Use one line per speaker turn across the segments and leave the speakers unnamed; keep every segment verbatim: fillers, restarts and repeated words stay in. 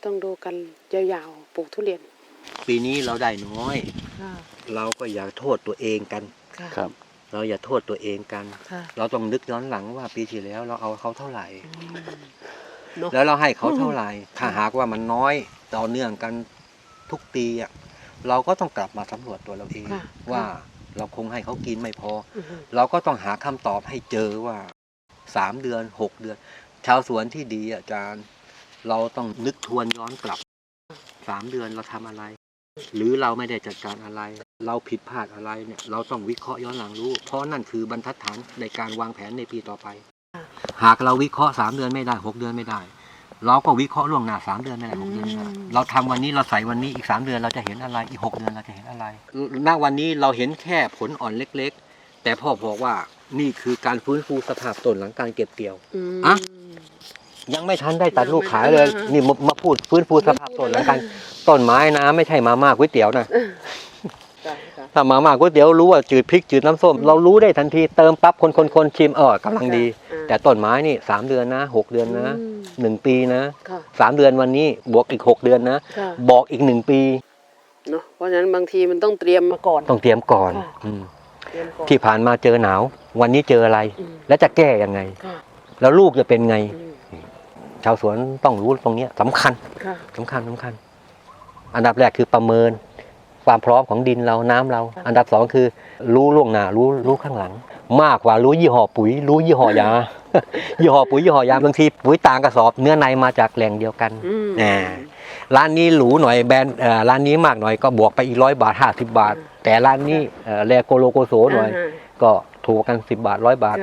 ต้องดูกันยาวๆปลูกทุเรียน
ปีนี้เราได้น้อยเราก็อย่าโทษตัวเองกัน
ครับ
เราอย่าโทษตัวเองกันเราต้องนึกย้อนหลังว่าปีที่แล้วเราเอาเขาเท่าไหร่แล้วเราให้เขาเท่าไหร่ถ้าหากว่ามันน้อยต่อเนื่องกันทุกปีอ่ะเราก็ต้องกลับมาสำรวจตัวเราเองว่าเราคงให้เขากินไม่พอเราก็ต้องหาคำตอบให้เจอว่าสามเดือนหกเดือนชาวสวนที่ดีอาจารย์เราต้องนึกทวนย้อนกลับสามเดือนเราทำอะไรหรือเราไม่ได้จัดการอะไรเราผิดพลาดอะไรเนี่ยเราต้องวิเคราะห์ย้อนหลังรู้เพราะนั่นคือบรรทัดฐานในการวางแผนในปีต่อไปหากเราวิเคราะห์สามเดือนไม่ได้หกเดือนไม่ได้เราก็วิเคราะห์ล่วงหน้าสามเดือนไม่ได้หกเดือนไม่ได้เราทำวันนี้เราใส่วันนี้อีกสามเดือนเราจะเห็นอะไรอีกหกเดือนเราจะเห็นอะไรณวันนี้เราเห็นแค่ผลอ่อนเล็กๆแต่พ่อบอกว่านี่คือการฟื้นฟูสภาพต้นหลังการเก็บเกี่ยวอ่ะยังไม่ทันได้ตัดลูกขายเลยนี่มาพูดฟื้นฟูสภาพต้นหลังการต้นไม้นะไม่ใช่มาม่าก๋วยเตี๋ยวนะถ้ามาม่าก๋วยเตี๋ยวรู้ว่าจืดพริกจืดน้ำส้มเรารู้ได้ทันทีเติมปั๊บคนคนคนชิมเออกำลังดีแต่ต้นไม้นี่สามเดือนนะหกเดือนนะหนึ่งปีนะสามเดือนวันนี้บวกอีกหกเดือนนะบอกอีกหนึ่งปี
เนาะเพราะฉะนั้นบางทีมันต้องเตรียมมาก่อน
ต้องเตรียมก่อนที่ผ่านมาเจอหนาววันนี้เจออะไรแล้วจะแก้ยังไงแล้วลูกจะเป็นไงชาวสวนต้องรู้ตรงนี้สำคัญสำคัญสำคัญอันดับแรกคือประเมินความพร้อมของดินเราน้ำเราอันดับสองคือรู้ล่วงหน้ารู้รู้ข้างหลังมากกว่ารู้ยี่ห้อปุ๋ยรู้ยี่ห้อยา ยี่ห้อปุ๋ยยี่ห้อยาบางทีปุ๋ยต่างกระสอบเนื้อในมาจากแหล่งเดียวกันอ่าร้านนี้หรูหน่อยแบรนด์ร้านนี้มากหน่อยก็บวกไปอีกร้อยบาทห้าสิบบาทแต่ร้านนี้แลโกโลโกโซหน่อยก็ถูกกันสิบบาทร้อยบาท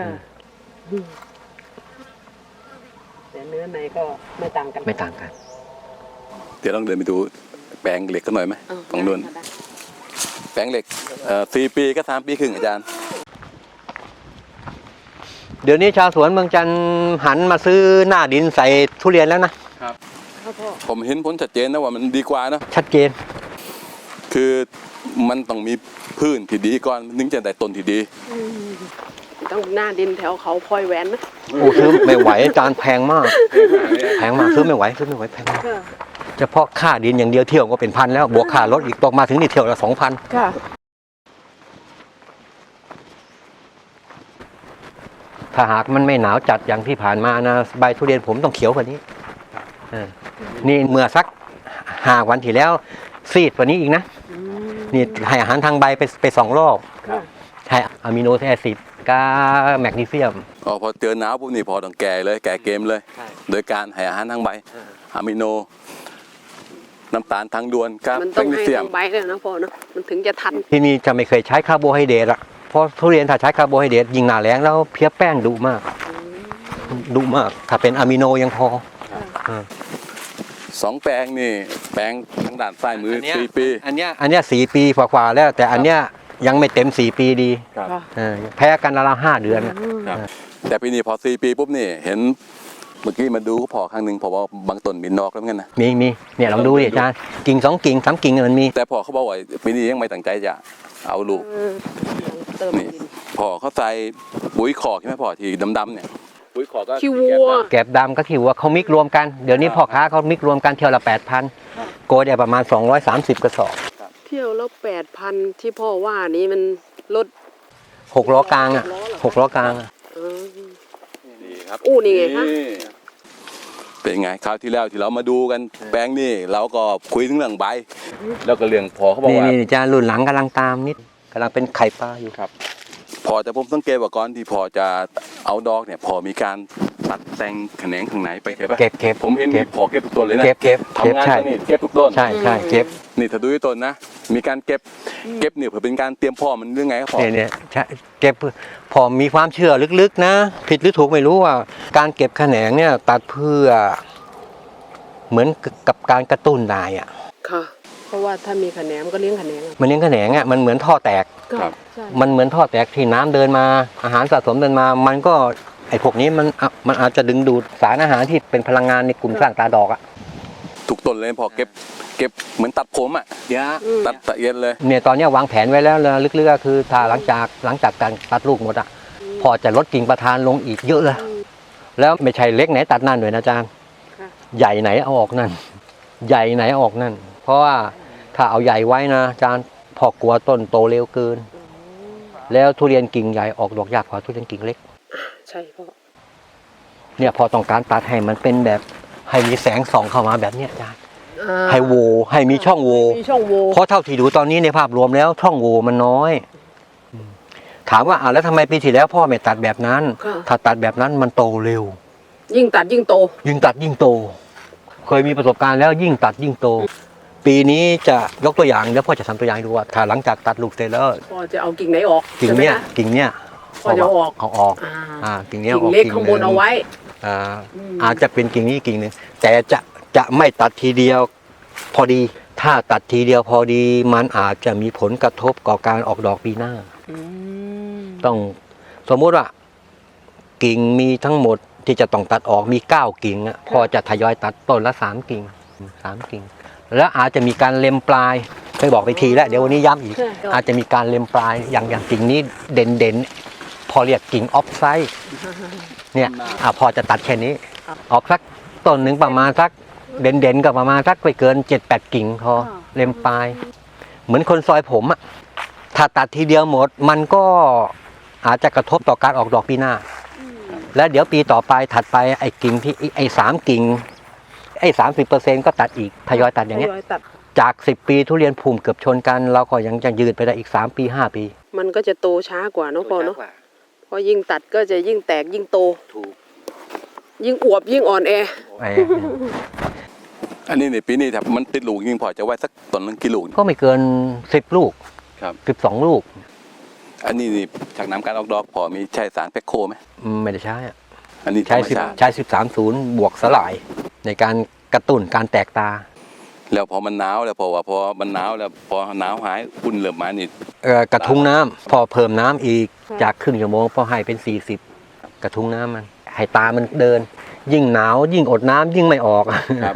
แต่เนื้อในก็ไม่ต่างกัน
ไม่ต่างกัน
เดี๋ยวลองเดินไปดูแปลงเหล็กกันหน่อยไหมตรงนู้นแปลงเหล็กสี่ปีก็สามปีครึ่งอาจารย์
เดี๋ยวนี้ชาวสวนเมืองจันทร์หันมาซื้อหน้าดินใส่ทุเรียนแล้วนะครับ
ผมเห็นผลชัดเจนนะว่ามันดีกว่านะ
ชัดเจน
คือมันต้องมีพื้นที่ดีก่อนถึงจะได้ต้นที่ดี
ต้องหน้าดินแถวเขาพลอยแหวนนะ
โอ้ซื้อไม่ไหวอาจารย์แพงมากแพงมากซื้อไม่ไหวซื้อไม่ไหวแพงมากเฉพาะค่าดินอย่างเดียวเที่ยวก็เป็นพันแล้วบวกค่ารถอีกตกมาถึงนี่เที่ยวละสองพันถ้าหากมันไม่หนาวจัดอย่างที่ผ่านมานะใบทุเรียนผมต้องเขียวกว่านี้นี่เมื่อสักห้าวันที่แล้วซีดกว่านี้อีกนะนี่ให้อาหารทางใบไปไปสองรอบให้อะมิโนแอซิดกาแมกนีเซียม
อ๋อพอเจอหนาวปุ๊บนี่พอต้องแก่เลยแก่เกมเลยโดยการให้อาหารทางใบอะมิโนน้ำตาลทางด่วนกับ
แมกนีเซียมใบเลยนะพ่อเนาะมันถึงจะทัน
ที่นี่จะไม่เคยใช้คาร์โบไฮเดรตอะเพราะทุเรียนถ้าใช้คาร์โบไฮเดรตยิงหนาแรงแล้วเพี้ยแป้งดุมากดุมากถ้าเป็นอะมิโนยังพอ
สองแปลงนี่แปลงทางด้านซ้ายมือสี่ปี
อันเนี้ยอันเนี้ยสี่ปีกว่าๆแล้วแต่อันเนี้ยยังไม่เต็มสี่ปีดีแพ้กันละห้าเดือน
แต่ปีนี้พอสี่ปีปุ๊บนี่เห็นเมื่อกี้มาดูพอครั้งหนึ่งพอว่าบางต้นมีนอกแล้วเหมือนกันนะ
มีมีเนี่ยลองดูดิอาจารย์กิ่งสองกิ่งสามกิ่งมันมี
แต่พอเขาบอกว่าปีนี้ยังไม่ตั้งใจจะเอาลูกนี่พอเขาใส่ปุ๋ยขอกใช่ไหมพอที่ดำๆเนี่ยปุ๋ยขอกก็
ขี้วัว
แกบดำก็ขี้วัวเขามิกรวมกันเดี๋ยวนี้พ่อค้าเขามิกรวมกันเที่ยวละแปดพันโกได้ประมาณสองร้อยสามสิบกระสอบ
เที่ยวละแปดพันที่พ่อว่านี้มันลด
หกล้อกลางอ่ะหกล้อกลางอ่ะ
นี่ครับ
อู้นี่ไงคะ
เป็นไงคราวที่แล้วที่เรามาดูกันแปลงนี่เราก็คุยถึงเรื่องใบแล้วก็เรื่องพอเขาบอกว่า
นี่จะรุ่นหลังกำลังตามนิดกำลังเป็นไข่ปลาอยู่
ครับพอแต่ผมสังเกตว่าก่อนที่พอจะเอาดอกเนี่ยพอมีการตัดแต่งแขนงข้างไหนไปเก็บ
เก็บเก็บ
ผมเห็นพอเก็บทุกต้นเลยนะ
เก็บเก็บ
ทำงานตรงนี้เก็บทุกต้น
ใช่ใช่เก็บ
นี่ถ้าดูที่ต้นนะมีการเก็บเก็บเนี่ยเพื่อเป็นการเตรียมพ่อมันเรื่องไงครับพ่อ
เนี่ยเก็บพอมีความเชื่อลึกๆนะผิดหรือถูกไม่รู้ว่าการเก็บแขนงเนี่ยตัดเพื่อเหมือนกับการกระตุ้นนายอ่ะ
ค่ะเพราะว่าถ้ามีแขนงมันก็เลี้ยงแขนง
มันเลี้ยงแขนงอ่ะมันเหมือนท่อแตกมันเหมือนท่อแตกที่น้ำเดินมาอาหารสะสมเดินมามันก็ไอ้พวกนี้มันมันอาจจะดึงดูดสารอาหารที่เป็นพลังงานในกลุ่มสร้างตาดอกอ่ะ
ทุกต้นเลยพอเก็บเก็บเหมือนตัดผมอ่ะ
เดี๋ยว
ตัดตะเอียดเลย
เนี่ยตอนนี้วางแผนไว้แล้วลึกๆก็คือถ้าหลังจากหลังจากการตัดลูกหมดอ่ะพอจะลดกิ่งประธานลงอีกเยอะเลยแล้วไม่ใช่เล็กไหนตัดนั่นด้วยนะอาจารย์ใหญ่ไหนเอาออกนั่นใหญ่ไหนออกนั่น เพราะว่าถ้าเอาใหญ่ไว้นะอาจารย์พอกลัวต้นโตเร็วเกิน แล้วทุเรียนกิ่งใหญ่ออกดอกยากกว่าทุเรียนกิ่งเล็ก
ใช่พ่อ
เนี่ยพอต้องการตัดให้มันเป็นแบบให้มีแสงส่องเข้ามาแบบเนี้ยอาจารย์
อ่า
ให้โหวให้มีช่องโหว
มีช่องโหว่
เพราะเท่าที่ดูตอนนี้ในภาพรวมแล้วช่องโหว่มันน้อยอืมถามว่าอ่าแล้วทำไมปีที่แล้วพ่อไม่ตัดแบบนั้น
ค่ะ
ถ้าตัดแบบนั้นมันโตเร็ว
ยิ่งตัดยิ่งโต
ยิ่งตัดยิ่งโต เคยมีประสบการณ์แล้วยิ่งตัดยิ่งโต ปีนี้จะยกตัวอย่างแล้วพ่อจะทำตัวอย่างให้ดูว่าถ้าหลังจากตัดลูกเสร็จแล้ว
พ่อจะเอากิ่งไหนออก
กิ่งเนี้ย
ใช่ไหมคะ
กิ่งเนี้ย
พ่อจะเอาออก
เอาออก
อ่า
อ่ากิ่งเนี้ย
กิ่ง
ออก
เล็กข้างบน
ห
เอาไว้
อ่า
อืม
อาจจะเป็นกิ่งนี้กิ่งหนึ่งแต่จะจะไม่ตัดทีเดียวพอดี ถ้าตัดทีเดียวพอดีมันอาจจะมีผลกระทบต่อการออกดอกปีหน้า
อืม
ต้องสมมุติว่า กิ่งมีทั้งหมดที่จะต้องตัดออกมีเก้ากิ่งอะพอจะทยอยตัดต้นละสามกิ่งสามกิ่ง แล้วอาจจะมีการเล็มปลายเคยบอกไปทีแล้วเดี๋ยววันนี้ย้ำอีก อาจจะมีการเล็มปลายอย่างอย่างกิ่งนี้เด่นเด่นๆพอเรียกกิ่งออฟไซด์เนี่ยอ่ะพอจะตัดแค่นี้ ออกสักต้นหนึ่งประมาณสักเด่นเด่นๆก็ประมาณสักไม่เกินเจ็ดแปดกิ่งพอเล็มปลาย เหมือนคนซอยผมอะถ้าตัดทีเดียวหมดมันก็อาจจะกระทบต่อการออกดอกปีหน้า แล้วเดี๋ยวปีต่อไปถัดไปไอ้กิ่งที่ไอ้สามกิ่งไอ้สามสิบเปอร์เซ็นต์ก็ตัดอีกทยอยตัดอย่างเงี้ย
ทตัด
จากสิบปีทุเรียนภูมิเกือบชนกัน เราก็ยังจะยืดไปได้อีกสามปีห้าปี
มันก็จะโตช้ากว่าเนาะพ่อเนาะเพราะยิ่งตัดก็จะยิ่งแตกยิ่งโต
ถูก
ยิ่งอวบยิ่งอ่อนแอ
ไอ้
อันนี้ในปีนี้ถ้ามันติดลูกยิงพอจะไว้สักต้นหนึงกี่ลูก
ก็ไม่เกินสิบลูก
ครับ
สิบสองลูก
อันนี้นี่จากน้ำการออกดอกพอมีใช้สารแพคโคไหม
อืมไม่ได้ใช้อะ
อันนี้ธร
ใช้
รม
สิบ
ชาติ
ใช้สิบสามศูนย์บวกสลาย ในการกระตุ้นการแตกตา
แล้วพอมันหนาวแล้วพอว่าพอมันหนาวแล้วพอหนาวหายอุ่นเริ่มมานี่
เอ่อกระทุ้งน้ำพอเพิ่มน้ำอีกจากครึ่งชั่วโมงพอให้เป็นสี่สิบกระทุ้งน้ำมันให้ตามันเดิน ยิ่งหนาวยิ่งอดน้ำยิ่งไม่ออก
ครับ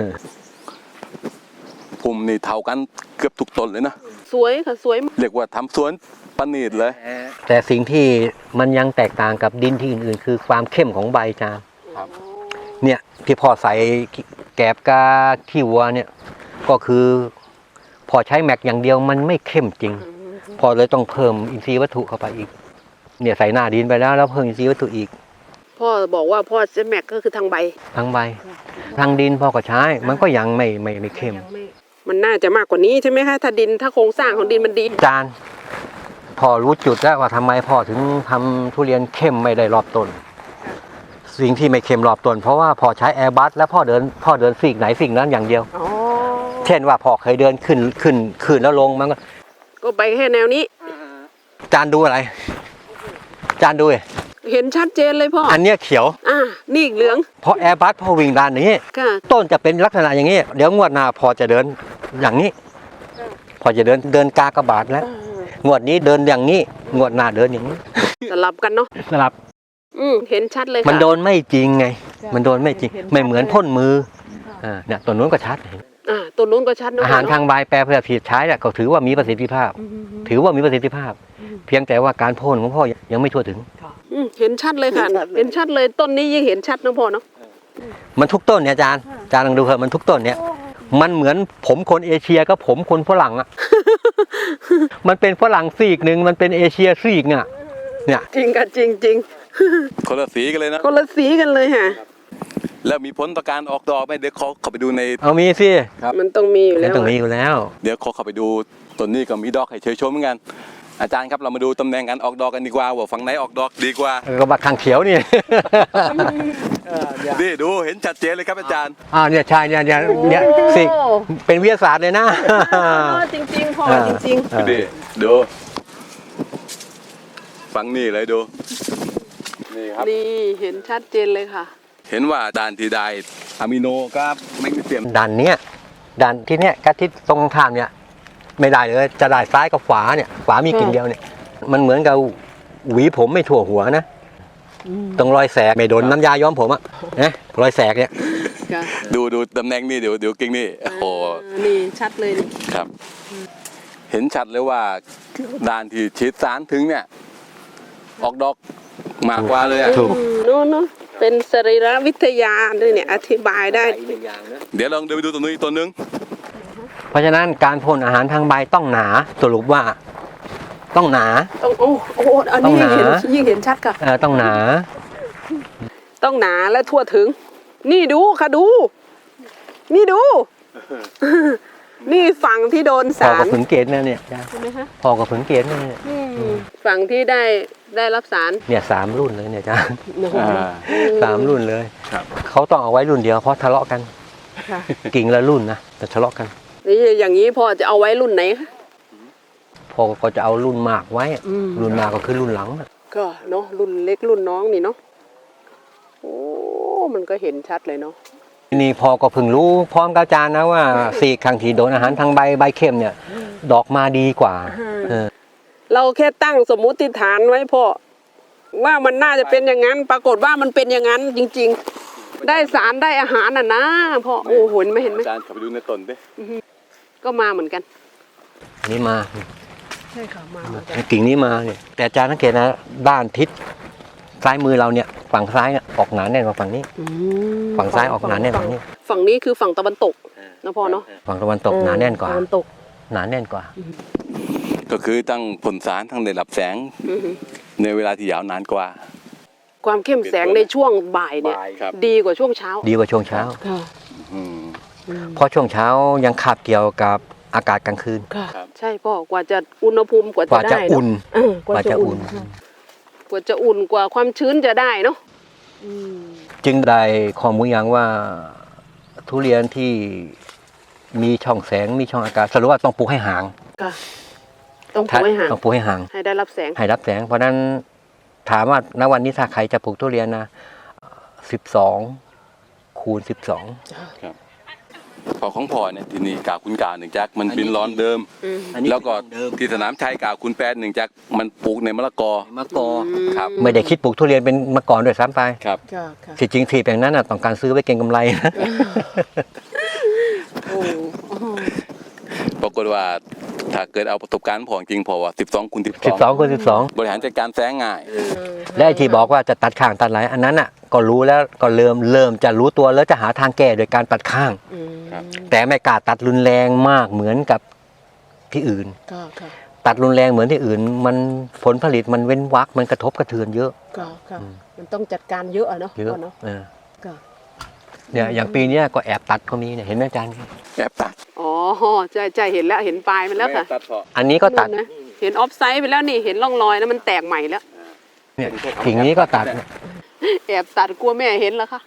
ภูมินี่เท่ากันเกือบทุกต้นเลยนะ
สวยค่ะสวย
เรียกว่าทำสวนประณีตเลย
แต่สิ่งที่มันยังแตกต่างกับดินที่อื่นๆ คือความเข้มของใบจาน
ครับ
เนี่ยที่พอใส่แกบกาขี้วัวเนี่ยก็คือพอใช้แม็กอย่างเดียวมันไม่เข้มจริง พอเลยต้องเพิ่มอินทรีย์วัตถุเข้าไปอีก เนี่ยใส่หน้าดินไปแล้วแล้วเพิ่มอินทรีย์วัตถุอีก
พ่อบอกว่าพ่อจะแม็กก็คือทางใบ
ทั้งใบทั้งดินพ่อก็ใช้มันก็ยังไม่ไม่ไม่เข้ม
มันน่าจะมากกว่านี้ใช่ไหมคะถ้าดินถ้าโครงสร้างของดินมันดี
จานพอรู้จุดแล้วว่าทำไมพ่อถึงทำทุเรียนเข้มไม่ได้รอบต้น สิ่งที่ไม่เข้มรอบต้นเพราะว่าพอใช้แอร์บัสแล้วพ่อเดินพ่อเดินสิ่งไหนสิ่งนั้นอย่างเดียว
อ๋อ
เช่นว่าพ่อเคยเดินขึ้นขึ้นขึ้นแล้วลงมันก็
ก็ไปแค่แนวนี้
จานดูอะไร จานดูดิ
เห็นชัดเจนเลยพ่อ
อันเนี้ยเขียว
อ่านี่อีกเหลือง
เพราะแอร์บัสพ่อวิ่งด้านนี้
ค่ะ
ต้นจะเป็นลักษณะอย่างนี้ เดี๋ยวงวดหน้าพอจะเดินอย่างนี้ พอจะเดินเดินกากระบาดแล้ว งวดนี้เดินอย่างนี้ งวดหน้าเดินอย่างนี้
สลับกันเนาะ
สลับ
อืมเห็นชัดเลยค่ะ
มันโดนไม่จริงไง มันโดนไม่จริง ไม่เหมือนพ่นมือ อ่า เนี่ยตัวนู้นก็ชัด
อ่าตัวนู้นก็ชัดเนาะ
อาหารทางใบแปรเพื่อผิดใช้เนี่ยก็ถือว่ามีประสิทธิภาพ ถือว่ามีประสิทธิภาพ เพียงแต่ว่าการพ่นของพ่อยังไม่ทั่วถึง
อืมเห็นชัดเลยค่ะ เห็นชัดเลยต้นนี้ยิ่งเห็นชัดนะพ่อเนาะ
มันทุกต้นเนี่ยอาจารย์อาจารย์ลองดูเถอะมันทุกต้นเนี่ย มันเหมือนผมคนเอเชียกับผมคนฝรั่งอ่ะ มันเป็นฝรั่งซีกหนึ่งมันเป็นเอเชียซีกอ่ะ เนี่ย
จริงค่ะจริงจริง
คนละสีกันเลยนะ
คนละสีกันเลยค่ะ
แล้วมีผลต่อการออกดอกไหมเดี๋ยวขอเข้าไปดูใน
เอามีสิ
ครับ
มันต้องมีอยู่
มัน
แล้ว
ต้องมีอยู่แล้ว
เดี๋ยวขอเข้าไปดูต้นนี้ก็มีดอกให้เชยชมเหมือนกันอาจารย์ครับเรามาดูตำแหน่งการออกดอกกันดีกว่าว่าฝั่งไหนออกดอกดีกว่า
ก็บักข้างเขียวนี่
นี่ดูเห็นชัดเจนเลยครับอาจารย์
อ้าวเนี่ยใช่เนี่ยเนี่ยเนี่ยสิเป็นวิทยาศาสตร์เลยนะ
จริงจริงๆพ่อจริง
เออ
นี่ดูฟังนี่เลยดูนี่ครับ
ๆนี่เห็นชัดเจนเลยค่ะ
เห็นว่าด่านที่ได้อะมิโนกับแมกนีเซียม
ดันเนี้ยดันที่เนี้ยกับที่ตรงข้ามเนี่ยไม่ได้เลยจะได้ซ้ายกับขวาเนี่ยขวามีกิ่งเดียวเนี่ยมันเหมือนกับหวีผมไม่ทั่วหัวนะตรงรอยแสกไม่โดนน้ำยาย้อมผมอะนะรอยแสกเนี่ย
ค่ะ
ดูดูตำแหน่งนี่เดี๋ยวเดี๋ยวกิ่งนี่โอ้โห
นี่ชัดเลยนี่
ครับ เห็นชัดเลยว่าด่านที่ฉีดสารถึงเนี่ย ออกดอกมากกว่าเลยอะ
ถูก
อืมโน้นเนาะเป็นสรีรวิทยาด้วยเนี่ยอธิบายได้
เดี๋ยวลองเดินไปดูตัวนู้นอีกตัวนึง
อ
เพราะฉะนั้นการพ่นอาหารทางใบต้องหนาสรุปว่าต้องหนา
ต้องโอ้โอ้อันนี้
ต้องหนา
เห็นยิ่งเห็นชัดค่ะ
เออต้องหนา
ต้องหนาและทั่วถึง นี่ดูค่ะดู นี่ดู นี่ฝั่งที่โดน
พอ
สาร
กับผึ่งเกตนะเนี่ย
ใช่ไหมคะ
พอกับผึ่งเกตนะเนี่ย
ฝั่งที่ได้ได้รับสาร
เนี่ยสามรุ่นเลยเนี่ยจ้า
อ่า
สามรุ่นเลย
ครับ
เขาต้องเอาไว้รุ่นเดียวเพราะทะเลาะกัน
ค่ะ
กิ่งละรุ่นนะแต่ทะเลาะกัน
นี่อย่างนี้พ่อจะเอาไว้รุ่นไหนคะ
พอก็จะเอารุ่นมากไว้
อืม
รุ่นมากก็คือรุ่นหลังน่ะ
ก็เนาะรุ่นเล็กรุ่นน้องนี่เนาะโอ้มันก็เห็นชัดเลยเนาะ
ทีนี่พอก็เพิ่งรู้พร้อมกับอาจารย์นะว่าสี่ครั้งที่โดนอาหารทางใบใบเข้มเนี่ย ดอกมาดีกว่าเออ
เราแค่ตั้งสมมุติฐานไว้พ่อว่ามันน่าจะเป็นอย่างนั้น ปรากฏว่ามันเป็นอย่างนั้นจริง ๆ ได้สารได้อาหารน่ะนะพ่อโอ้โหเห็นไหมเห็นไหม
อาจารย์ขับไปดูในต้นดิ
ก็มาเหมือนกัน
อันนี้มา
ใช่ค่ะมาเหมือนกัน
กิ่งนี้มาเนี่ยแต่อาจารย์สังเกตนะด้านทิศซ้ายมือเราเนี่ยฝั่งซ้ายเนี่ยออกหนาแน่นกว่าฝั่งนี้
อืม
ฝั่งซ้ายออกหนาแน่นกว่านี้
ฝั่งนี้คือฝั่งตะวันตกนะพ่อเนาะ
ฝั่งตะวันตกหนาแน่นกว่า
ตะวันตก
หนาแน่นกว่า
ก็คือตั้งผลสารทั้งได้รับแสง
อือฮึ
ในเวลาที่ยาวนานกว่า
ความเข้มแสงในช่วงบ่ายเนี่ย
ครับ
ดีกว่าช่วงเช้า
ดีกว่าช่วงเช้า
ค่ะ
อืม
เพราะช่วงเช้ายังขาบเกี่ยวกับอากาศกลางคืน
ค่ะ
ครับ
ใช่พ่อกว่าจะอุณหภูมิกว่าก
ว่า
จะ
จะ
ได้
อุ่น
เเออกว่าจะอุ่น
กว่าจะอุ่น
ค่ะกว่าจะอุ่นกว่าความชื้นจะได้เนาะอืม
จึงได้ข้อมูลอย่างว่าทุเรียนที่มีช่องแสงมีช่องอากาศสรุปว่าต้องปลูกให้ห่าง
ค่ะต้องปลูกให้ห่าง
ต้องปลูกให้ห่าง
ให้ได้รับแสง
ให้รับแสง เพราะฉะนั้นถามว่าณวันนี้ถ้าใครจะปลูกทุเรียนนะสิบสองคูณสิบสอง
ครับพอของพ่อเนี่ยที่นี่กาวคุณกาวหนึ่งจักมันเป็นร้อนเดิม
อืม
แล้วก็ที่สนามชัยกาวคุณแปดหนึ่งจักมันปลูกในมะละกอ
มะกอ
ครับ
ไม่ได้คิดปลูกทุเรียนเป็นมาก่อนด้วยซ้ำไป
ครับ
ค่ะค่ะ
ที่จริงที่แปลงนั้นน่ะต้องการซื้อไว้เก็งกำไรนะ
โอ้โอ้
ปรากฏว่าถ้าเกิดเอาประสบการณ์พอจริงพอว่าสิบสองคูณสิบ
สิบสองคูณสิบสอง
บริหารจัดการแสงง่าย
และไอ้ที่บอกว่าจะตัดข้างตัดไหลอันนั้นอ่ะก็รู้แล้วก็เริ่มเริ่มจะรู้ตัวแล้วจะหาทางแก้โดยการตัดข้าง
อืม
ครับ
แต่ไม่กล้าตัดรุนแรงมากเหมือนกับที่อื่น
ค่ะค่ะ
ตัดรุนแรงเหมือนที่อื่น มันผลผลิตมันเว้นวักมันกระทบกระเทือนเยอะ
ค่ะค่ะมันต้องจัดการเยอะอะเนาะ
เยอะ
พ่อเนาะ
เออ
ค่ะ
เนี่ยอย่างปีเนี้ยก็แอบตัดก็มีเนี่ยเห็นไหมอาจารย์
แอบตัด
อ๋อใช่ใช่เห็นแล้วเห็นปลายมันแล้วค่ะ
ตัดพอ
อันนี้ก็ตัด
นู่นนะเห็นออฟไซด์ไปแล้วนี่เห็นร่องรอยแล้วมันแตกใหม่แล้ว
เนี่ยกิ่งนี้ก็ตัดเนี่ย
แอบตัดกลัวแม่เห็นแล้วค่ะ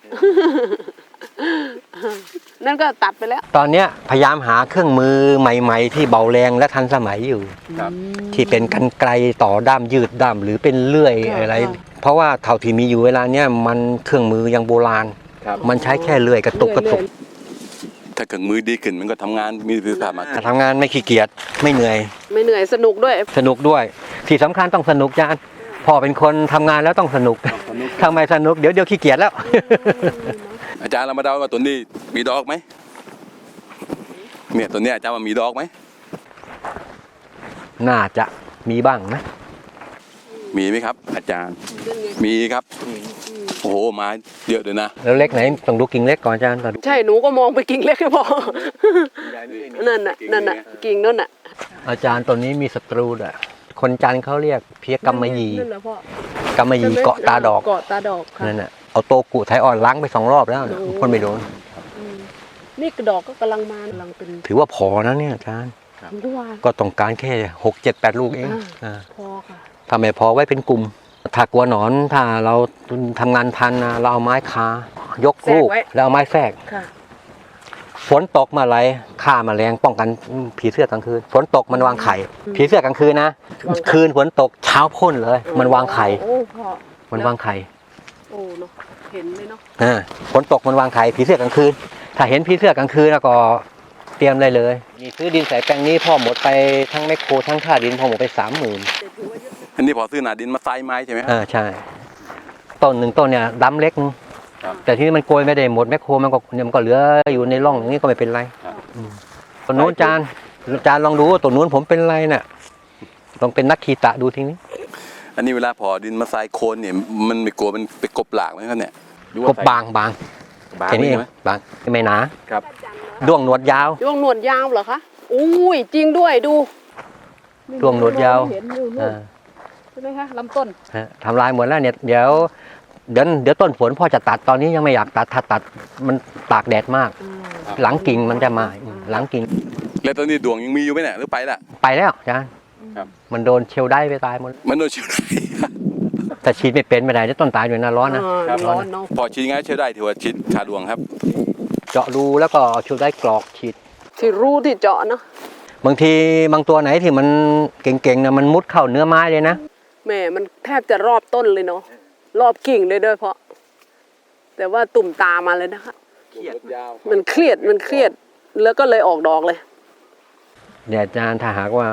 นั่นก็ตัดไปแล้ว
ตอนเนี้ยพยายามหาเครื่องมือใหม่ ๆ ที่เบาแรงและทันสมัยอยู่
ครับ
ที่เป็นกรรไกรต่อด้ามยืดด้ามหรือเป็นเลื่อย
ค่ะ
อะไร
ค่ะ
เพราะว่าเท่าที่มีอยู่เวลาเนี้ยมันเครื่องมือยังโบราณ
ครับ
มันใช้แค่เลื่อยกระตุกกระตุก
ถ้าเครื่องมือดีขึ้นมันก็ทำงานมีประสิทธิภาพมากขึ้น
ทำงานไม่ขี้เกียจไม่เหนื่อย
ไม่เหนื่อยสนุกด้วย
สนุกด้วย ที่สำคัญต้องสนุกจานพ่อเป็นคนทำงานแล้วต้องสนุกทำไมสนุกเดี๋ยวเดี๋ยวขี้เกียจแล้ว
อาจารย์เรามาเดาว่าตัวนี้มีดอกไหมเนี่ยตัวเนี้ยอาจารย์ว่ามีดอกไหม
น่าจะมีบ้างนะ
มีไหมครับ อาจารย์มีครับโอ้โหมาเยอะเลยนะ
แล้วเล็กไหนต้องดูกิ่งเล็กก่อนอาจารย์ก่อน
ใช่หนูก็มองไปกิ่งเล็กให้พอ นั่นน่ะนั่นน่ะกิ่งนั่นน่ะ
อาจารย์ตัวนี้มีศัตรูด้วยคนจันทร์เขาเรียกเพี้ยกำมะหยี่
นั่นแหละพ่อก
ำมะหยี่เกาะตาดอก
เกาะตาดอกค่ะ
นั่นน่ะเอาโตกุไทยอ่อนล้างไปสองรอบแล้วน่ะพ่นไม่โดน
อืมนี่กระดอกก็กำลังมากำลังเป็น
ถือว่าพอนะเนี่ยอาจารย์
ทุกวัน
ก็ต้องการแค่หกเจ็ดแปดลูกเอง
อ่า
อ่า
พอค่ะ
ทำไมพอไว้เป็นกลุ่ม ถ้ากลัวหนอนถ้าเราทำงานพันนะเราเอาไม้คายกลูกแล้วเอาไม้แทรก
ค่ะ
ฝนตกมาไรฆ่าแมลงป้องกันผีเสื้อกลางคืนฝนตกมันวางไข่ ผีเสื้อกลางคืนนะ
วางไข่
คืนฝนตกเช้าพ่นเลย มันวางไข่
โอ้พ่อ
มันวางไข่
โอ้เนาะเห็นเลยเนาะ
อ่าฝนตกมันวางไข่ผีเสื้อกลางคืน ถ้าเห็นผีเสื้อกลางคืนแล้วก็เตรียมได้เลยนี่ซื้อดินใส่แปลงนี้พ่อหมดไปทั้งแมคโครทั้งค่าดินพ่อหมดไปสามหมื่น
อันนี้พอซื้อหนาดินมาใส่ไม้ใช่ไหมครับ
อ่าใช่ ต้นหนึ่งต้นเนี่ยดำเล็กนึง
ครับ
แต่ที่นี่มันโกยไม่ได้หมดแมคโครมันก็เนี่ยมันก็เหลืออยู่ในร่องอย่างนี้ก็ไม่เป็นไร
ครับ
อืมต้นนู้นจานจานลองดูว่าต้นนู้นผมเป็นไรน่ะลองเป็นนักขีตะดูทีนี้
อันนี้เวลาพอดินมาใส่โคนเนี่ยมันไม่กลัวมันไปกบหลากไหมครับเนี่ยหรือว่
ก็บางบาง
บาง
แค่นี้เอ
ใช่
ง
ไหม
บางไม่หนา
ครับ
จันน้อย
ด้วงหนวดยาว
ด้วงหนวดยาวเหรอคะอุ้ยจริงด้วยดู
ด้วงหนวดยาว
เห็นอยู่นู่น
อ่า
ใช่ไหมคะลำต้น
ฮะทำลายหมดแล้วเนี่ยเดี๋ยวเดี๋ยวเดี๋ยวต้นฝนพ่อจะตัดตอนนี้ยังไม่อยากตัดถ้าตัดมันตากแดดมาก หลังกิ่งมันจะมาหลังกิ่ง
แล้วตอนนี้ดวงยังมีอยู่ไหมเนี่ยหรือไปละ
ไปแล้วอาจารย์
ครับ
มันโดนเชลได้ไปตายหมด
มันโดนเชียวได้
แต่ฉีดไม่เป็นไม่ได้จะต้นตายอยู่นะร้อนนะ
อ่าร้อนเนาะ
พอชิ้นง่ายเชียวได้ถือว่าชิ้นขาดวงครับ
เจาะรูแล้วก็เอาเชลได้กรอกฉีด
ที่รู้ที่เจาะเนาะ
บางทีบางตัวไหนที่มันเก่งๆนะมันมุดเข้าเนื้อไม้เลยนะ
แหม่มันแทบจะรอบต้นเลยเนาะรอบกิ่งเลยด้วยเพราะ แต่ว่าตุ่มตามาเลยนะคะมันเครียดมันเครียดแล้วก็เลยออกดอกเลย
เดี๋ยวอาจารย์ถ้าหากว่า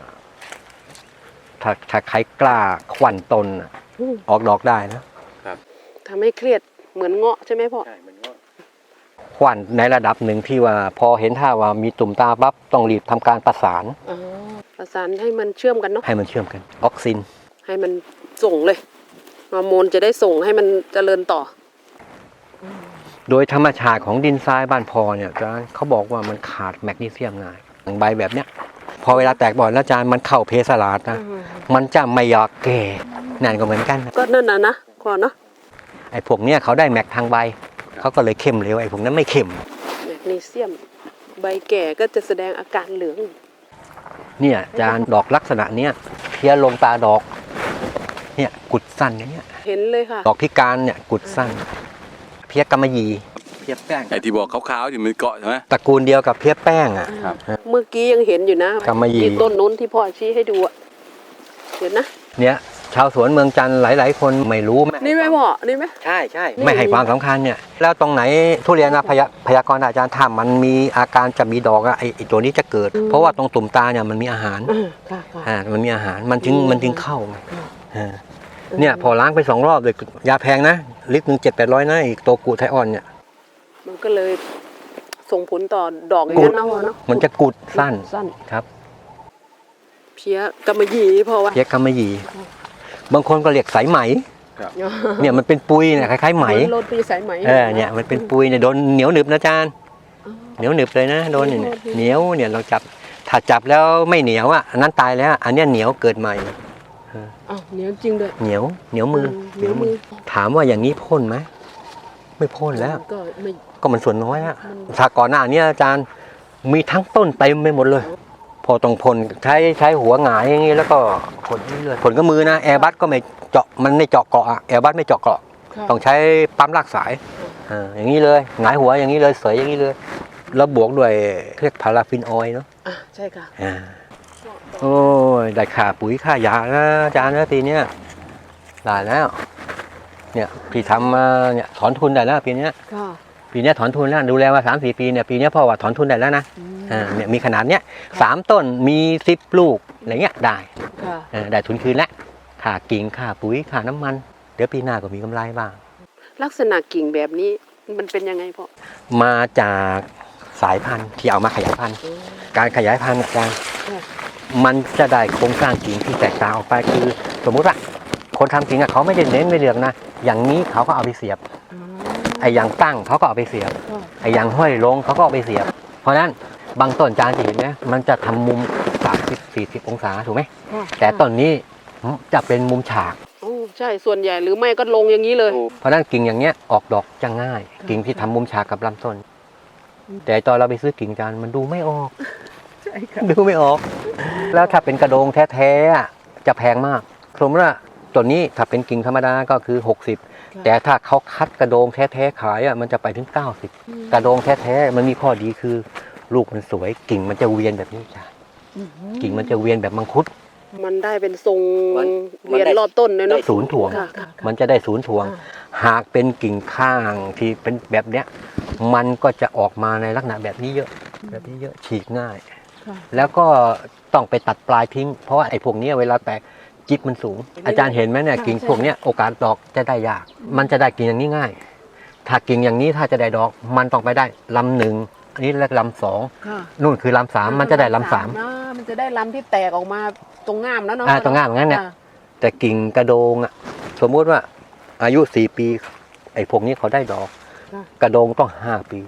ถ้าถ้าใครกล้าขวัญตนน่ะ
อืม
ออกดอกได้นะ
ทำให้เครียดเหมือนเงาะใช่ไหมพ่อ
ขวัญในระดับหนึ่งที่ว่าพอเห็นท่าว่ามีตุ่มตาปั๊บต้องรีบทำการประสาน
อ๋อประสานให้มันเชื่อมกันเนาะ
ให้มันเชื่อมกันออกซิน
ให้มันส่งเลยฮอร์โมนจะได้ส่งให้มันเจริญต่อ
โดยธรรมชาติของดินทรายบ้านพอเนี่ยอาจารย์เขาบอกว่ามันขาดแมกนีเซียมง่ายอย่างใบแบบเนี้ยพอเวลาแตกบ่อยแล้วอาจารย์มันเข้าเพสลาดนะ
อืม
มันจะไม่อยากแก่นั่นก็เหมือนกันนะ
ก็นั่นนะนะก่อนเนาะ
ไอ้พวกเนี้ยเขาได้แมกทางใบเขาก็เลยเข้มเร็วไอ้พวกนั้นไม่เข้ม
แมกนีเซียม ใบแก่ก็จะแสดงอาการเหลือง
เนี่ยอาจารย์ดอกลักษณะเนี้ยเพี้ยลงตาดอกเนี่ยกุดสั้นอย่างเงี้ย
เห็นเลยค่ะ
ดอกพิการเนี่ยกุดสั้น เพี้ยกำมะหยี่เพี้ยแป้ง
ไอ้ที่บอกขาวๆอยู่มันเกาะใช่ไหม
ตระกูลเดียวกับเพี้ยแป้งอ่ะ
ครับ
เมื่อกี้ยังเห็นอยู่นะ
กำมะหยี่
ที่ต้นนู้นที่พ่อชี้ให้ดูอะเห็นนะ
เนี่ยชาวสวนเมืองจันทร์หลาย ๆ คนไม่รู้
นี่ไหมพ่อนี่ไหม
ใช่ใช่
นี่
ไม่ให้ความสำคัญเนี่ยแล้วตรงไหนทุเรียนนะพยาพยากรณ์อาจารย์ถ้ามันมีอาการจะมีดอกอะไอ้ไอ้ตัวนี้จะเกิด เพราะว่าตรงตุ่มตาเนี่ยมันมีอาหาร
อ่าค่ะค่ะ
อ่ามันมีอาหารมันจึง
อืม
มันจึงเข้าไงอ่าเนี่ยพอล้างไปสองรอบเลยยาแพงนะลิตรหนึ่งเจ็ดแปดร้อยนะอีกตัวกูไทออนเนี่ย
มันก็เลยส่งผลต่อดอกอย่างนั้นเนาะพ่อเนาะ
มันจะกุดสั้น
สั้น
ครับ
เพี้ยกำมะหยี่พ่อวะ
เพี้ยกำมะหยี่บางคนก็เรียกสายไหมเนี่ยมันเป็นปุยเนี่ยคล้ายๆไหม
โรตีสายไหม
เออเนี่ยมันเป็นปุยเนี่ยโดนเหนียวหนึบนะอาจารย์เหนียวหนึบเลยนะโดนเนี่ยเหนียวเนี่ยเราจับถ้าจับแล้วไม่เหนียวอ่ะอันนั้นตายแล้ว อันเนี้ยเหนียวเกิดใหม่
อ้าวเหนียวจริงด้วย
เหนียวเหนียวมือ
เหนียวมือ
ถามว่าอย่างนี้พ่นไหมไม่พ่นแล้ว
ก็ไม่
ก็มันส่วนน้อยแล้วถ้าก่อนหน้านี้อาจารย์มีทั้งต้นเต็มไปหมดเลย พอต้องพ่นใช้ใช้หัวหงายอย่างนี้แล้วก็พ่นเรื่อยๆพ่นก็มือนะแอร์บัสก็ไม่เจาะมันไม่เจาะเกาะอะแอร์บัสไม่เจาะเกาะ
ค่ะ
ต้องใช้ปั๊มลากสายอ่าอย่างนี้เลยหงายหัวอย่างนี้เลยเสยอย่างนี้เลยแล้วบวกด้วยเรียกพาราฟินออยล์เนาะ
อ่ะใช่ค่ะ
อ่าโอ้ยได้ค่าปุ๋ยค่ายานะอาจารย์นะปีเนี้ยได้แล้วเนี่ยพี่ทำมาเนี่ยถอนทุนได้แล้วปีเนี้ย
ค่ะ
ปีเนี้ยถอนทุนแล้วดูแลมาสามสี่ปีเนี่ยปีเนี้ยพ่อว่าถอนทุนได้แล้วนะอ่าเนี่ยมีขนาดเนี้ยสามต้นมีสิบลูกอะไรเงี้ยได้
ค่ะ
เออได้ทุนคืนแล้วค่ากิ่งค่าปุ๋ยค่าน้ำมันเดี๋ยวปีหน้าก็มีกำไรบ้าง
ลักษณะกิ่งแบบนี้มันเป็นยังไงพ่อ
มาจากสายพันธุ์ที่เอามาขยายพันธุ์ การขยายพันธุ์อาจารย์
ค่ะ
มันจะได้โครงสร้างกิ่งที่แตกต่างออกไปคือสมมุติว่าคนทำกิ่งอะเขาไม่ได้เน้นไม่เลือกนะ อย่างนี้เขาก็เอาไปเสียบ
อ๋อ
ไอ้อย่างตั้งเขาก็เอาไปเสียบ
ค่ะ
ไอ้อย่างห้อยลงเขาก็เอาไปเสียบ เพราะฉะนั้นบางต้นอาจารย์จะเห็นไหมมันจะทำมุมสามสิบสี่สิบองศาถูกไหม
ค่ะ
แต่ต้นนี้จะเป็นมุมฉาก
โอ้ใช่ส่วนใหญ่หรือไม่ก็ลงอย่างนี้เลย
เพราะฉะนั้นกิ่งอย่างเงี้ยออกดอกจะง่าย กิ่งที่ทำมุมฉากกับลำต้น แต่ตอนเราไปซื้อกิ่งจานมันดูไม่ออก
ใช่ค่ะ
ดูไม่ออก แล้วถ้าเป็นกระโดงแท้ๆอะจะแพงมากสมมติว่าตัวนี้ถ้าเป็นกิ่งธรรมดาก็คือหกสิบแต่ถ้าเขาคัดกระโดงแท้ๆขายอ่ะมันจะไปถึงเก้าสิบกระโดงแท้ๆมันมีข้อดีคือลูกมันสวยกิ่งมันจะเวียนแบบนี้จ้ะกิ่งมันจะเวียนแบบมังคุด
มันได้เป็นทรง
มัน
เวียนรอบต้นเลยเนาะ
ศูนย์ถ่วง
ค่ะค่ะ
มันจะได้ศูนย์ถ่วง หากเป็นกิ่งข้างที่เป็นแบบเนี้ยมันก็จะออกมาในลักษณะแบบนี้เยอะแบบนี้เยอะฉีกง่าย
ค่ะ
แล้วก็ต้องไปตัดปลายทิ้ง เพราะว่าไอ้พวกเนี้ยเวลาแตกจิ๊บมันสูง อาจารย์เห็นไหมเนี่ยกิ่งพวกเนี้ยโอกาสดอกจะได้ยาก มันจะได้กิ่งอย่างนี้ง่าย ถ้ากิ่งอย่างนี้ถ้าจะได้ดอกมันต้องไปได้ลำหนึ่งอันนี้เรียกลำสอง
ค่ะ
นู่นคือลำสามมันจะได้ลำสาม
นะมันจะได้ลำที่แตกออกมาตรงง่ามแล้วเนาะ
อ่าตรงง่ามอย่างนั้นเนี่ย
ค่ะ
แต่กิ่งกระโดงอ่ะสมมุติว่าอายุสี่ปี ไอ้พวกนี้เขาได้ดอก กระโดงต้องห้าปี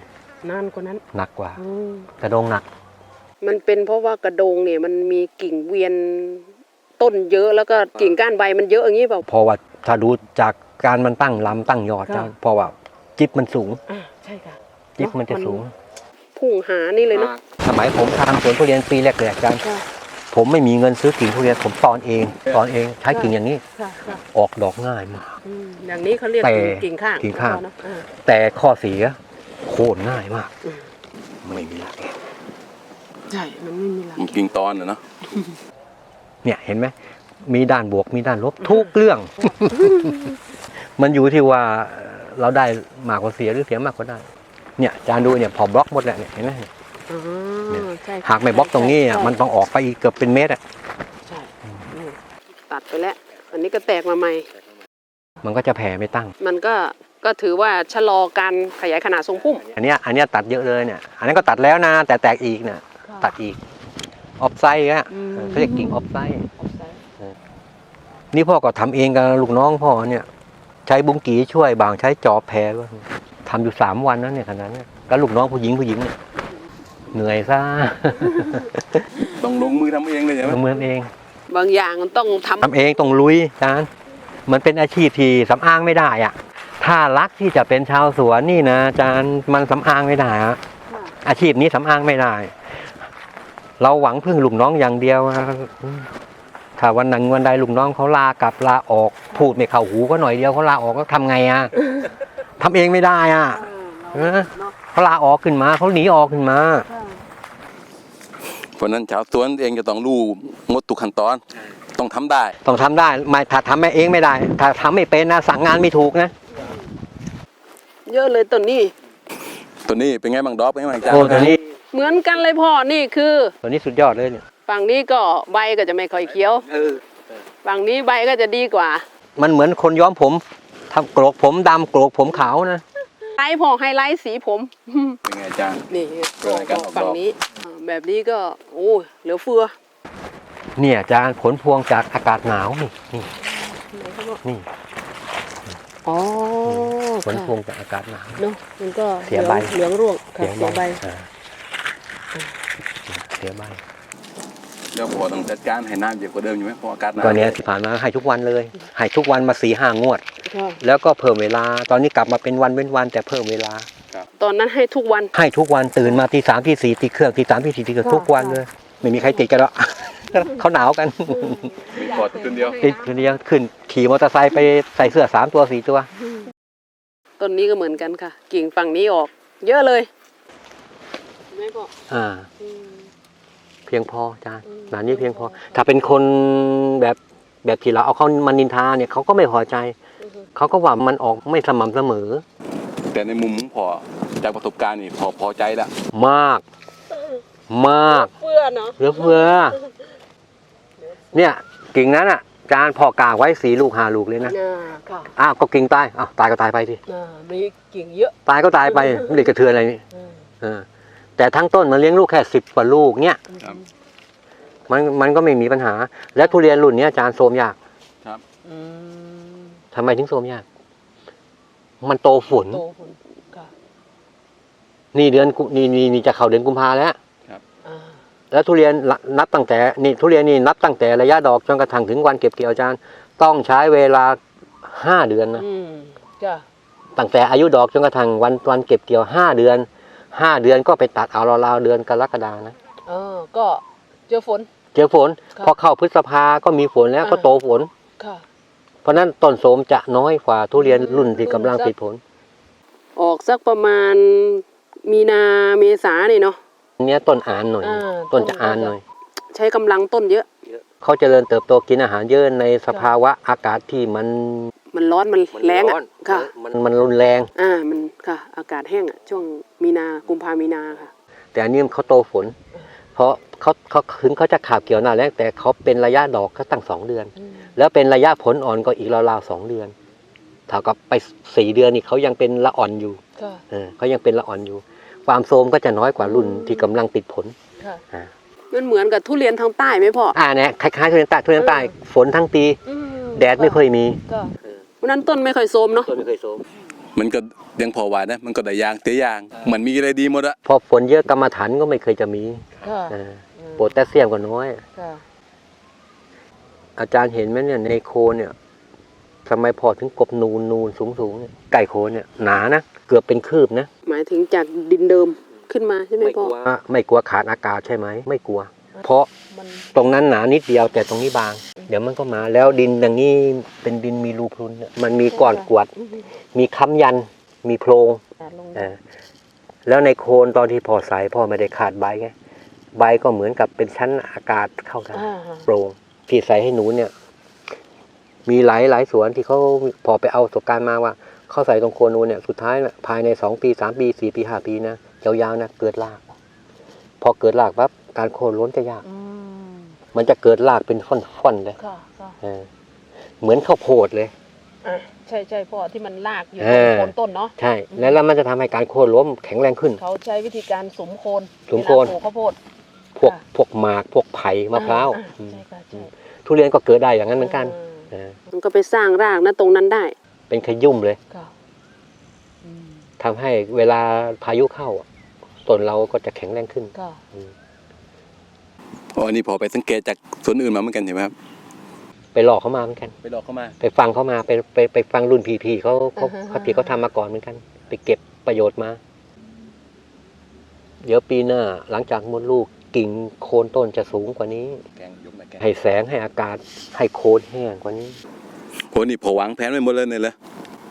นานกว่านั้น
หนักกว่า
อืม
กระดงหนัก
มันเป็นเพราะว่ากระโดงเนี่ยมันมีกิ่งเวียนต้นเยอะแล้วก็กิ่งก้านใบมันเยอะอย่างนี้เปล่า
เพราะว่าถ้าดูจากการมันตั้งลำตั้งยอด
ค่ะ
เพราะว่าจิ๊บมันสูง
อ่าใช่ค่ะ
จิ๊บมันจะสูง
พุ่งหานี่เลยเนาะ
สมัยผมทำสวนทุเรียนปีแรกๆอาจารย์
ค่ะ
ผมไม่มีเงินซื้อกิ่งทุเรียนผมตอนเองตอนเองใช้กิ่งอย่างนี้
ค่ะค่ะ
ออกดอกง่ายมาก
อืมอย่างนี้เขาเรียก
แต่
กิ่งข้าง
กิ่งข้าง
เนะอ่า
แต่ข้อเสียโค่นง่ายมาก
อืม
ไม่มีหลัก
ใช่ มันไม่มีหลัก
กิ่งตอนนะเนาะ
เนี่ยเห็นไหมมีด้านบวกมีด้านลบทุกเรื่อง มันอยู่ที่ว่าเราได้มากกว่าเสียหรือเสียมากกว่าได้ เนี่ยอาจารย์ดูเนี่ยพอบล็อกหมดแหละเนี่ยเห็นไหม
อ๋อ
เนี่ย
ใช่ค่ะ
หากไม่บล็อกตรงนี้อ่ะ
ใช่
มันต้องออกไปอีกเกือบเป็นเมตรอ่ะ
ใช่นี่ตัดไปแล้ว อันนี้ก็แตกมาใหม่
มันก็จะแผ่ไม่ตั้ง
มันก็ก็ถือว่าชะลอการขยายขนาดทรงพุ่ม
อันเนี้ยอันเนี้ยตัดเยอะเลยเนี่ย อันนั้นก็ตัดแล้วนะแต่แตกอีกเนี่ยตัดอีกออฟไซด์อ่ะ
อืม
เขาเรียกกิ่งออฟไซด์นี่พ่อก็ทำเองกับลูกน้องพ่อเนี่ยใช้บุ้งกีช่วยบางใช้จอบแพรบ้างทำอยู่สามวันนั้นเนี่ยขนาดนั้นก็ลูกน้องผู้หญิงผู้หญิงเนี่ยเหนื่อยซะ
ต้องลงมือทำเองเลยใช่ไหม
ทำเมืองเอง
บางอย่างมันต้องทำ
ทำเองต้องลุยอาจารย์มันเป็นอาชีพที่สำอางไม่ได้อ่ะถ้ารักที่จะเป็นชาวสวนนี่นะอาจารย์มันสำอางไม่ได้อะอาชีพนี้สำอางไม่ได้ เราหวังพึ่งลูกน้องอย่างเดียวอะถ้าวันหนึ่งวันใดลูกน้องเขาลากลับลาออกพูดไม่เข้าหูก็หน่อยเดียวเขาลาออกก็ทำไงอ่ะทำเองไม่ได้อ่ะเออเขาลาออกขึ้นมาเขาหนีออกขึ้นมา
เพราะนั้นชาวสวนเองจะต้องรู้หมดทุกขั้นตอน ต้องทำได้
ต้องทำได้ไม่ถ้าทำไม่เองไม่ได้ ถ้าทำไม่เป็นนะสั่งงานไม่ถูกนะ
เยอะเลยต้นนี้
ตัวนี้เป็นไงบางดอกเป็นไงบางจาน
โอ้ตัวนี้
เหมือนกันเลยพ่อ นี่คือ
ตัวนี้สุดยอดเลยเนี่ย
ฝั่งนี้ก็ใบก็จะไม่ค่อยเขียว ฝั่งนี้ใบก็จะดีกว่า
มันเหมือนคนย้อมผมทำโกรกผมดำโกรกผมขาวนะ
ไลท์พ่อไฮไลท์สีผม
เป็นไงอาจารย์
นี่
เป็นไงการออกดอก
ฝั่งนี้อ่าแบบนี้ก็โอ้เหลือเฟือ
เนี่ยอาจารย์ผลพวงจากอากาศหนาวนี่นี่นี่
อ๋อ
ผลพวงจากอากาศหนาว
เนาะมันก็
เสียใบ
เหลืองร่วงค่ะ
เสีย
เสีย
ใบ
ใบ
อ่าเสียใบ
เดี๋ยวพอต้องจัดการให้น้ำเยอะกว่าเดิมอยู่ไหมเพราะอากาศหนาว
ตอนเนี้ยที่ผ่านมาให้ทุกวันเลยให้ทุกวันมาสี่ห้างวด
ค่ะ
แล้วก็เพิ่มเวลา ตอนนี้กลับมาเป็นวันเว้นวันแต่เพิ่มเวลา
ตอนนั้นให้ทุกวัน
ให้ทุกวันตื่นมาตีสามตีสี่ตีเครื่องตีสามตีสี่ตีเครื่อง
ค่ะ
ทุกวันเลย ไม่มีใครติดกันหรอก เขาหนาวกัน
พอตัวเดียว
ติดคนเดียวขึ้นขี่มอเตอร์ไซค์ไปใส่เสื้อสามตัวสี่ตัว
ต้นนี้ก็เหมือนกันค่ะ กิ่งฝั่งนี้ออก เยอะเลยไม่บอก
อ่า
อืม
เพียงพออาจารย์
อืม
หนานี้เพียงพอ ถ้าเป็นคนแบบแบบที่เราเอาเขามานินทาเนี่ยเขาก็ไม่พอใจ
อือฮึ
เขาก็ว่ามันออกไม่สม่ำเสมอ
แต่ในมุมของพอจากประสบการณ์นี่พอพอใจแล้ว
มาก มาก
เฟือเนาะ
เหลือเฟือ เนี่ยกิ่งนั้นอ่ะอาจารย์พอกางไว้สีลูกหาลูกเลยนะ
อ่าค่ะ
อ้าวก็กิ่งตายอ้าวตายก็ตายไปสิ
อ่ามีกิ่งเยอะ
ตายก็ตายไปไม่ได้กระเทือนอะไรนี่
อืม
เออแต่ทั้งต้นมันเลี้ยงลูกแค่สิบกว่าลูกเนี่ย
ครับ
มันมันก็ไม่มีปัญหา และทุเรียนรุ่นเนี้ยอาจารย์โทรมยาก
อืม
ทำไมถึงโทรมยาก มันโตฝน
โตผลค่ะ
นี่เดือนกุนี่นี่นี่จะเข้าเดือนกุมภาแล้ว
อ่า
แล้วทุเรียนนับตั้งแต่นี่ทุเรียนนี่นับตั้งแต่ระยะดอกจนกระทั่งถึงวันเก็บเกี่ยวอาจารย์ ต้องใช้เวลาห้าเดือนนะ
อืมจ้ะ
ตั้งแต่อายุดอกจนกระทั่งวันวันเก็บเกี่ยวห้าเดือนห้าเดือนก็ไปตัดเอาราวๆเดือนกรกฎานะ
เออก็เจอฝน
เจอฝน
ครับ
พอเข้าพฤษภาก็มีฝนแล้ว
อ่า
ก็โตฝน
ค่ะ
เพราะฉะนั้นต้นโสมจะน้อยกว่าทุเรียนรุ่นที่กำลังติดผล
ออกสักประมาณมีนาเมษานี่เนาะ
อันเนี้ยต้นอ่านหน่อย
อ่า
ต้นจะอ่านหน่อย
ใช้กำลังต้นเยอะ
เขาเจริญเติบโตกินอาหารเยอะในสภาวะอากาศที่มัน
มันร้อนมันแรงอ่ะค่ะ
มันมันรุนแรง
อ่ามันค่ะ อากาศแห้งอ่ะช่วงมีนากุมภามีนาค่ะ
แต่อันนี้เขาโตฝน เพราะเขาเขาถึงเขาจะขาบเกี่ยวหน้าแรกแต่เขาเป็นระยะดอกเขาตั้งสองเดือน แล้วเป็นระยะผลอ่อนก็อีกราวๆสองเดือนเท่ากับไปสี่เดือนนี่เขายังเป็นละอ่อนอยู่
ค่ะ
เออเขายังเป็นละอ่อนอยู่ ความโทรมก็จะน้อยกว่ารุ่นที่กำลังติดผล
ค่ะ
อ่า
มันเหมือนกับทุเรียนทางใต้ไหมพ่อ
อ่าเนี่ยคล้ายๆทุเรียนใต้ทุเรียนใต้ฝนทั้งปี
อืม
แดดไม่ค่อยมี
ก็วันนั้นต้นไม่ค่อยโทรมเนาะ
ต้นไม่เคยโทรม
มันก็ยังพอไหวนะมันก็ได้ยางเตี้ยยางเหมือนมีอะไรดีหมดอะ
พอฝนเยอะกรรมฐานก็ไม่เคยจะมี
ค่ะ
อ่าโพแทสเซียมก็น้อย
ค่ะ
อาจารย์เห็นไหมเนี่ยในโคนเนี่ยทำไมพอถึงกบนูนนูนสูงสูงเนี่ยไก่โคนเนี่ยหนานะเกือบเป็นคืบนะ
หมายถึงจากดินเดิมขึ้นมาใช่ไหม
ไม่
พ่
ก
อ
ลัวไม่กลัวขาดอากาศใช่ไหมไม่กลัว เพราะ
มัน
ตรงนั้นหนานิดเดียวแต่ตรงนี้บาง เดี๋ยวมันก็มาแล้วดินอย่างนี้เป็นดินมีรูพรุนเนี่ยมันมีก้อนกรวด มีค้ำยันมีโพรง
ลง
เออแล้วในโคนตอนที่พ่อใส่พ่อไม่ได้ขาดใบไงใบก็เหมือนกับเป็นชั้นอากาศเข้าได้
อ่า
โปร่งที่ใส่ให้หนูเนี่ย มีหลายหลายสวนที่เขาพอไปเอาประสบการณ์มาว่าเขาใส่ตรงโคนนูนเนี่ยสุดท้ายนะภายในสองปีสามปีสี่ปีห้าปีนะยาวๆนะเกิดราก พอเกิดรากปั๊บการโค่นล้นจะยาก
อืม
มันจะเกิดรากเป็นฟ่อนๆเลย
ค่ะค่ะ
เออเหมือนข้าวโพดเลย
อ่ะใช่ใช่พ่อที่มันลากอยู่
เอ
ตรง
อ
โคนต้นเนาะ
ใช่ แล้วแล้วมันจะทำให้การโค่นล้มแข็งแรงขึ้น
เขาใช้วิธีการสมโคน
สมโคน
เวลาปลูกข้าวโพด
พวก
ค่ะ
พวกหมากพวกไผ่มะพร้าว
อ่
อืม
ใช่ค่ะใช่
ทุเรียนก็เกิดได้อย่างนั้นเหมือนกัน
อ่า
เออ
มันก็ไปสร้างรากนะตรงนั้นได้
เป็นขยุ่มเลย
ค่ะอืม
ทำให้เวลาพายุเข้าอะต้นเราก็จะแข็งแรงขึ้น
ค่ะ
อืม
อ๋อนี่พอไปสังเกตจากสวนอื่นมาเหมือนกันเห็นไหมครับ
ไปหลอกเขามาเหมือนกัน
ไปหลอกเข้ามา
ไปฟังเขามาไปไปไปฟังรุ่นพี่ๆเขาเขา
อ่าฮะ
เขาที่เขาทำมาก่อนเหมือนกัน ไปเก็บประโยชน์มา เดี๋ยวปีหน้าหลังจากมดลูกกิ่งโคนต้นจะสูงกว่านี้
แกงยกมาแกง
ให้แสงให้อากาศให้โคนแห้งกว่านี้
โหนี่พอวางแผนไว้หมดเลยเนี่ยเลย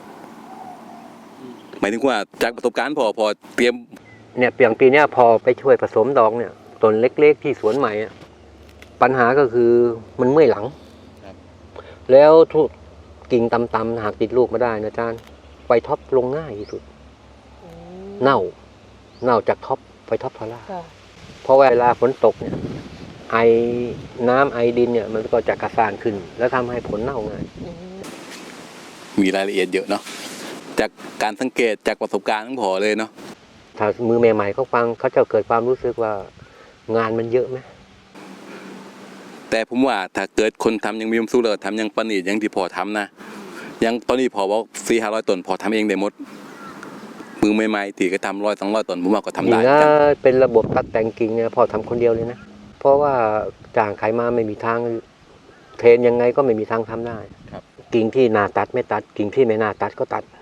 หมายถึงว่าจากประสบการณ์พอพอเตรียม
เนี่ยเปลี่ยนปีเนี้ยพอไปช่วยผสมดอกเนี่ยต้นเล็กๆที่สวนใหม่อะปัญหาก็คือมันเมื่อยหลัง แล้วทุกกิ่งต่ำๆหากติดลูกมาได้นะอาจารย์ไฟท็อปลงง่ายที่สุด
อืม
เน่า เน่าจากท็อปไฟท็อปทอร่า
ค่ะ
เพราะเวลาฝนตกเนี่ยไอน้ำไอดินเนี่ยมันก็จะกระสานขึ้น แล้วทำให้ผลเน่าง่าย
อืม
มีรายละเอียดเยอะเนาะจากการสังเกตจากประสบการณ์ของพอเลยเนาะ
ถ้ามือใหม่ๆเขาฟังเขาจะเกิดความรู้สึกว่างานมันเยอะไหม
แต่ผมว่าถ้าเกิดคนทำยังมีความสุขเลยทำยังประณีตยังที่พอทำนะยังตอนนี้พอบอกสี่ห้าร้อยต้นพอทำเองได้หมดมือใหม่ๆที่ก็ทำร้อยสองร้อยต้นผมว่าก็ทำ
ยิ่
ได้
ง
เหมือน
ถ้า
กัน
เป็นระบบตัดแต่งกิ่งเนี่ยพอทำคนเดียวเลยนะ เพราะว่าจ้างใครมาไม่มีทางเทรนยังไงก็ไม่มีทางทำได้
ครับ
กิ่งที่น่าตัดไม่ตัดกิ่งที่ไม่น่าตัดก็ตัด